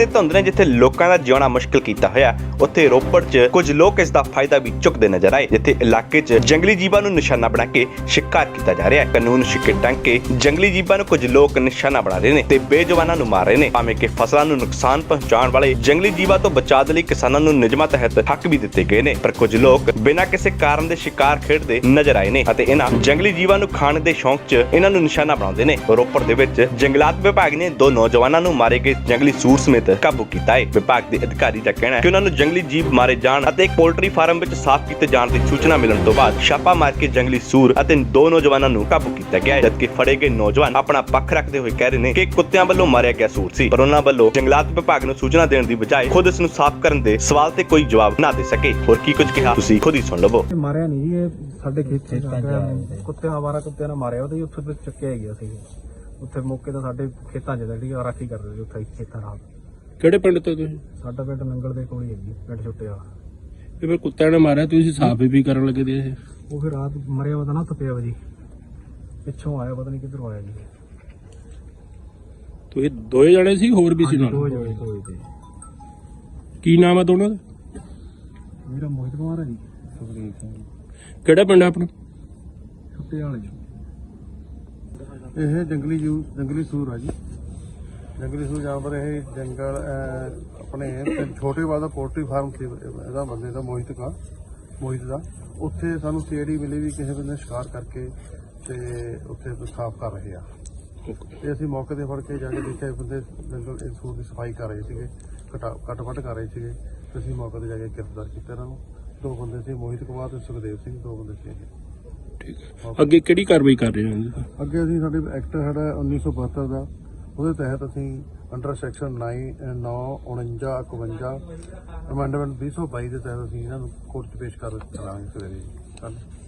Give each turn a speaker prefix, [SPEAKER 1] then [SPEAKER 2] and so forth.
[SPEAKER 1] ਤੇ ਧੁੰਦ ਨੇ ਜਿੱਥੇ ਲੋਕਾਂ ਦਾ ਜਿਉਣਾ ਮੁਸ਼ਕਿਲ ਕੀਤਾ ਹੋਇਆ, ਉੱਥੇ ਰੋਪੜ 'ਚ ਕੁਝ ਲੋਕ ਇਸ ਦਾ ਫਾਇਦਾ ਵੀ ਚੁੱਕਦੇ ਨਜ਼ਰ ਆਏ, ਜਿੱਥੇ ਇਲਾਕੇ 'ਚ ਜੰਗਲੀ ਜੀਵਾਂ ਨੂੰ ਨਿਸ਼ਾਨਾ ਬਣਾ ਕੇ ਸ਼ਿਕਾਰ ਕੀਤਾ ਜਾ ਰਿਹਾ ਹੈ। ਕਾਨੂੰਨ ਛਿੱਕੇ ਟੰਗ ਕੇ ਜੰਗਲੀ ਜੀਵਾਂ ਨੂੰ ਕੁਝ ਲੋਕ ਨਿਸ਼ਾਨਾ ਬਣਾ ਰਹੇ ਨੇ ਤੇ ਬੇਜਵਾਨਾਂ ਨੂੰ ਮਾਰ ਰਹੇ ਨੇ, ਭਾਵੇਂ ਕਿ ਫਸਲਾਂ ਨੂੰ ਨੁਕਸਾਨ ਪਹੁੰਚਾਉਣ ਵਾਲੇ ਜੰਗਲੀ ਜੀਵਾਂ ਤੋਂ ਬਚਾਅ ਦੇ ਲਈ ਕਿਸਾਨਾਂ ਨੂੰ ਨਿਯਮਾਂ ਤਹਿਤ ਹੱਕ ਵੀ ਦਿੱਤੇ ਗਏ ਨੇ। ਪਰ ਕੁਝ ਲੋਕ ਬਿਨਾਂ ਕਿਸੇ ਕਾਰਨ ਦੇ ਸ਼ਿਕਾਰ ਖੇਡਦੇ ਨਜ਼ਰ ਆਏ ਨੇ ਅਤੇ ਇਹਨਾਂ ਜੰਗਲੀ ਜੀਵਾਂ ਨੂੰ ਖਾਣ ਦੇ ਸ਼ੌਂਕ 'ਚ ਇਹਨਾਂ ਨੂੰ ਨਿਸ਼ਾਨਾ ਬਣਾਉਂਦੇ ਨੇ। ਰੋਪੜ ਦੇ ਵਿੱਚ ਜੰਗਲਾਤ ਵਿਭਾਗ ਨੇ 2 ਨੌਜਵਾਨਾਂ ਨੂੰ ਮਾਰੇ ਗਏ ਜੰਗਲੀ ਸੂਰ ਸਮੇਤ ਕਾਬੂ ਕੀਤਾ ਹੈ। ਵਿਭਾਗ ਦੇ ਅਧਿਕਾਰੀ ਦਾ ਕਹਿਣਾ ਹੈ ਕਿ ਉਹਨਾਂ ਨੂੰ ਜੰਗਲੀ ਜੀਵ ਮਾਰੇ ਜਾਣ ਅਤੇ ਇੱਕ ਪੋਲਟਰੀ ਫਾਰਮ ਵਿੱਚ ਸਾਫ਼ ਕੀਤੇ ਜਾਣ ਦੀ ਸੂਚਨਾ ਮਿਲਣ ਤੋਂ ਬਾਅਦ ਛਾਪਾ ਮਾਰ ਕੇ ਜੰਗਲੀ ਸੂਰ ਅਤੇ 2 ਨੌਜਵਾਨਾਂ ਨੂੰ ਕਾਬੂ ਕੀਤਾ ਗਿਆ ਹੈ, ਜਦਕਿ ਫੜੇ ਗਏ ਨੌਜਵਾਨ ਆਪਣਾ ਪੱਖ ਰੱਖਦੇ ਹੋਏ ਕਹਿ ਰਹੇ ਨੇ ਕਿ ਕੁੱਤਿਆਂ ਵੱਲੋਂ ਮਾਰਿਆ ਗਿਆ ਸੂਰ ਸੀ, ਪਰ ਉਹਨਾਂ ਵੱਲੋਂ ਜੰਗਲਾਤ ਵਿਭਾਗ ਨੂੰ ਸੂਚਨਾ ਦੇਣ ਦੀ ਬਜਾਏ ਖੁਦ ਇਸ ਨੂੰ ਸਾਫ਼ ਕਰਨ ਦੇ ਸਵਾਲ ਤੇ ਕੋਈ ਜਵਾਬ ਨਾ ਦੇ ਸਕੇ। ਹੋਰ ਕੀ ਕੁਝ ਕਿਹਾ ਤੁਸੀਂ ਖੁਦ ਹੀ ਸੁਣ ਲਵੋ।
[SPEAKER 2] ਮਾਰਿਆ ਨਹੀਂ ਜੀ, ਇਹ ਸਾਡੇ ਖੇਤਾਂ ਕੁੱਤਿਆਂ ਆਵਾਰਾ ਕੁੱਤਿਆਂ ਨੇ ਮਾਰਿਆ ਉਹਦੇ ਉੱਥੇ ਤੇ ਚੱਕਿਆ ਗਿਆ ਸੀ। ਉੱਥੇ ਮੌਕੇ ਤਾਂ ਸਾਡੇ ਖੇਤਾਂ 'ਚ ਜਿਹੜੀ ਰਾਖੀ ਕਰਦੇ ਸੀ ਉੱਥੇ ਖੇਤਾਂ ਨਾਲ।
[SPEAKER 3] ਕਿਹੜੇ ਪਿੰਡ ਤੋਂ ਤੁਸੀਂ?
[SPEAKER 2] ਸਾਡਾ ਪਿੰਡ ਨੰਗਲ ਦੇ ਕੋਲ ਹੀ ਹੈ ਜੀ, ਪਿੰਡ ਛੋਟੇ ਵਾਲਾ।
[SPEAKER 3] ਇਹ ਫਿਰ ਕੁੱਤਿਆਂ ਨੇ ਮਾਰਿਆ, ਤੁਸੀਂ ਸਾਫ਼ ਵੀ ਕਰਨ ਲੱਗੇ ਦੇ ਇਹ?
[SPEAKER 2] ਉਹ ਫਿਰ ਰਾਤ ਮਰਿਆ ਪਤਾ ਨਾ ਥੱਪਿਆ ਵਾ ਜੀ, ਪਿੱਛੋਂ ਆਇਆ ਪਤਾ ਨਹੀਂ ਕਿੱਧਰੋਂ ਆਇਆ ਜੀ।
[SPEAKER 3] ਤੋ ਇਹ 2 ਜਣੇ ਸੀ, ਹੋਰ ਵੀ ਸੀ ਨਾਲ?
[SPEAKER 2] 2 ਜਣੇ ਤੇ।
[SPEAKER 3] ਕੀ ਨਾਮ ਹੈ ਦੋਨਾਂ ਦਾ?
[SPEAKER 2] ਮੇਰਾ ਮੋਹਿਤ ਕੁਮਾਰ ਹੈ ਜੀ। ਸੁਖਦੇਵ ਸਿੰਘ।
[SPEAKER 3] ਕਿਹੜਾ ਪਿੰਡ ਹੈ ਆਪਣਾ?
[SPEAKER 2] ਛੋਟੇ ਵਾਲੇ।
[SPEAKER 4] ਇਹ ਜੰਗਲੀ ਸੂਰ ਆ ਜੀ। ਜੰਗਲੀ ਸੂਰ ਜਾਨਵਰ ਇਹ ਜੰਗਲ ਆਪਣੇ ਛੋਟੇ ਵਾਲਾ ਪੋਲਟਰੀ ਫਾਰਮ ਸੀ ਇਹਦਾ, ਬੰਦੇ ਦਾ ਮੋਹਿਤ ਦਾ। ਉੱਥੇ ਸਾਨੂੰ ਸੀਆਈਡੀ ਮਿਲੀ ਵੀ ਕਿਸੇ ਬੰਦੇ ਨੇ ਸ਼ਿਕਾਰ ਕਰਕੇ ਤੇ ਉੱਥੇ ਸਾਫ਼ ਕਰ ਰਹੇ ਆ। ਤੇ ਅਸੀਂ ਮੌਕੇ ਤੇ ਫੜ ਕੇ ਜਾ ਕੇ ਦੇਖਿਆ ਬੰਦੇ ਜੰਗਲ ਸੂਰ ਦੀ ਸਫਾਈ ਕਰ ਰਹੇ ਸੀਗੇ, ਕੱਟ-ਵੱਢ ਕਰ ਰਹੇ ਸੀਗੇ। ਤੇ ਅਸੀਂ ਮੌਕੇ ਤੇ ਜਾ ਕੇ ਗ੍ਰਿਫਤਾਰ ਕੀਤਾ ਇਹਨਾਂ ਨੂੰ। 2 ਬੰਦੇ ਸੀ, ਮੋਹਿਤ ਕੁਮਾਰ ਤੇ ਸੁਖਦੇਵ ਸਿੰਘ, 2 ਬੰਦੇ ਸੀ ਇਹ।
[SPEAKER 3] ਠੀਕ ਹੈ, ਅੱਗੇ ਕਿਹੜੀ ਕਾਰਵਾਈ ਕਰ ਰਹੇ ਹੋ?
[SPEAKER 4] ਅੱਗੇ ਅਸੀਂ ਸਾਡੇ ਐਕਟ ਸਾਡਾ 1972 ਦਾ, ਉਹਦੇ ਤਹਿਤ ਅਸੀਂ ਅੰਡਰ ਸੈਕਸ਼ਨ 9, 49, 51 ਅਮੈਂਡਮੈਂਟ 2022 ਦੇ ਤਹਿਤ ਅਸੀਂ ਇਹਨਾਂ ਨੂੰ ਕੋਰਟ 'ਚ ਪੇਸ਼ ਕਰਾਂਗੇ ਸਵੇਰੇ ਕੱਲ੍ਹ।